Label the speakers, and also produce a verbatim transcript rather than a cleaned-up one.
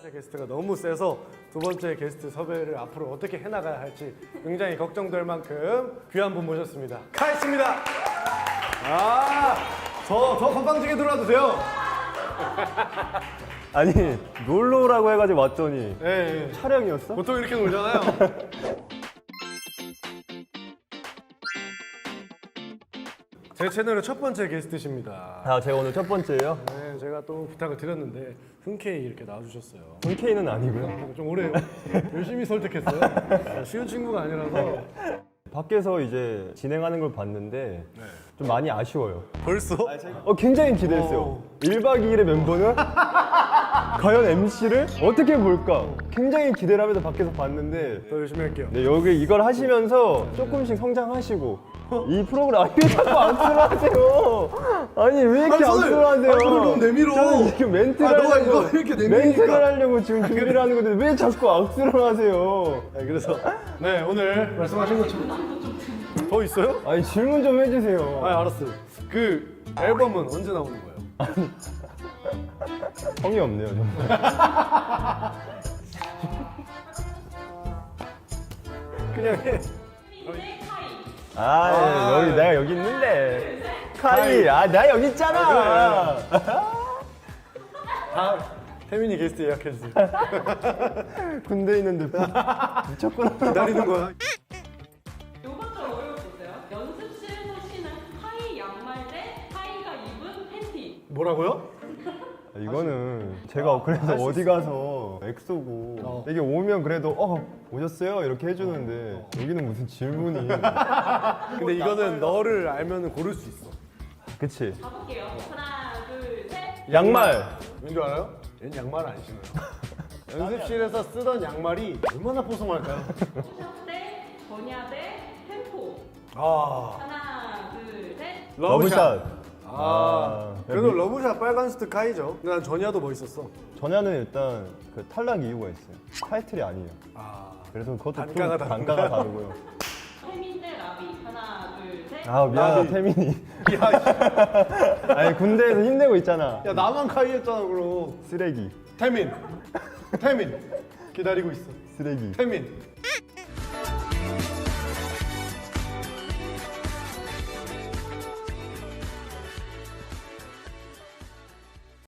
Speaker 1: 번째 게스트가 너무 세서 두 번째 게스트 섭외를 앞으로 어떻게 해나가야 할지 굉장히 걱정될 만큼 귀한 분 모셨습니다. 카이스입니다. 아, 더, 더 건방지게 들어와도 돼요.
Speaker 2: 아니 놀러라고 해가지고 왔더니
Speaker 1: 예, 예.
Speaker 2: 촬영이었어?
Speaker 1: 보통 이렇게 놀잖아요. 제 채널의 첫 번째 게스트십니다.
Speaker 2: 아 제가 오늘 첫 번째예요.
Speaker 1: 네, 제가 또 부탁을 드렸는데 흔쾌히 이렇게 나와주셨어요.
Speaker 2: 본케이는 아니고요.
Speaker 1: 좀 오래요. 열심히 설득했어요. 쉬운 친구가 아니라서.
Speaker 2: 밖에서 이제 진행하는 걸 봤는데 좀 많이 아쉬워요.
Speaker 1: 벌써?
Speaker 2: 어 굉장히 기대했어요.
Speaker 1: 어.
Speaker 2: 일 박 이 일의 멤버는 과연 엠씨를 어떻게 볼까? 굉장히 기대를 하면서 밖에서 봤는데
Speaker 1: 더 열심히 할게요.
Speaker 2: 네, 여기 이걸 하시면서 조금씩 성장하시고 이 프로그램 아니 왜 자꾸 악수를 하세요? 아니 왜 이렇게
Speaker 1: 아니, 손을-
Speaker 2: 악수를 하세요?
Speaker 1: 아니, 손을 너무 내밀어.
Speaker 2: 저는 이렇게 멘트를
Speaker 1: 아, 너가
Speaker 2: 하려고
Speaker 1: 이거 이렇게 내밀니까.
Speaker 2: 멘트를 하려고 지금 준비를 하는 건데 왜 자꾸 악수를 하세요?
Speaker 1: 네, 그래서 네 오늘 말씀하신 것처럼 더 있어요?
Speaker 2: 아니 질문 좀 해주세요.
Speaker 1: 아 알았어요. 그 앨범은 언제 나오는 거예요?
Speaker 2: 성의 없네요 정말.
Speaker 1: 그냥 해.
Speaker 2: 아,
Speaker 1: 아,
Speaker 2: 여기 내가 여기 있는데 카이 아 나 여기 있잖아.
Speaker 1: 다 태민이 게스트 예약해 주세요.
Speaker 2: 군대 있는데 미쳤구나.
Speaker 1: 기다리는 거야.
Speaker 3: 요거 좀 어려웠어요. 연습실에서 신은 하이 양말 대 하이가 입은 팬티.
Speaker 1: 뭐라고요?
Speaker 2: 이거는 제가 그래서 어디 가서 엑소고
Speaker 1: 어.
Speaker 2: 이게 오면 그래도 어 오셨어요 이렇게 해주는데 여기는 무슨 질문이.
Speaker 1: 근데 이거는 너를 알면 고를 수 있어.
Speaker 2: 그치.
Speaker 3: 가볼게요. 하나, 둘, 셋.
Speaker 2: 양말.
Speaker 1: 왠줄 알아요? 얘는 양말 안 신어요. 연습실에서 쓰던 양말이 얼마나 뽀송할까요?
Speaker 3: 샵 대 전야 대 템포.
Speaker 1: 아,
Speaker 3: 하나, 둘, 셋.
Speaker 2: 러브샷.
Speaker 1: 아,
Speaker 2: 아,
Speaker 1: 그래도 러브샷 빨간 스트 카이죠. 근데 난 전야도 멋있었어.
Speaker 2: 전야는 일단 그 탈락 이유가 있어요. 타이틀이 아니에요.
Speaker 1: 아,
Speaker 2: 그래서 그것도
Speaker 1: 단가가
Speaker 2: 좀
Speaker 1: 다른가요?
Speaker 2: 단가가 다르고요.
Speaker 3: 태민 대 라비. 하나, 둘, 셋.
Speaker 2: 아 미안하다
Speaker 1: 나비.
Speaker 2: 태민이.
Speaker 1: 야,
Speaker 2: 아니 군대에서 힘내고 있잖아.
Speaker 1: 야 나만 카이 했잖아 그럼.
Speaker 2: 쓰레기.
Speaker 1: 태민, 태민 기다리고 있어.
Speaker 2: 쓰레기.
Speaker 1: 태민.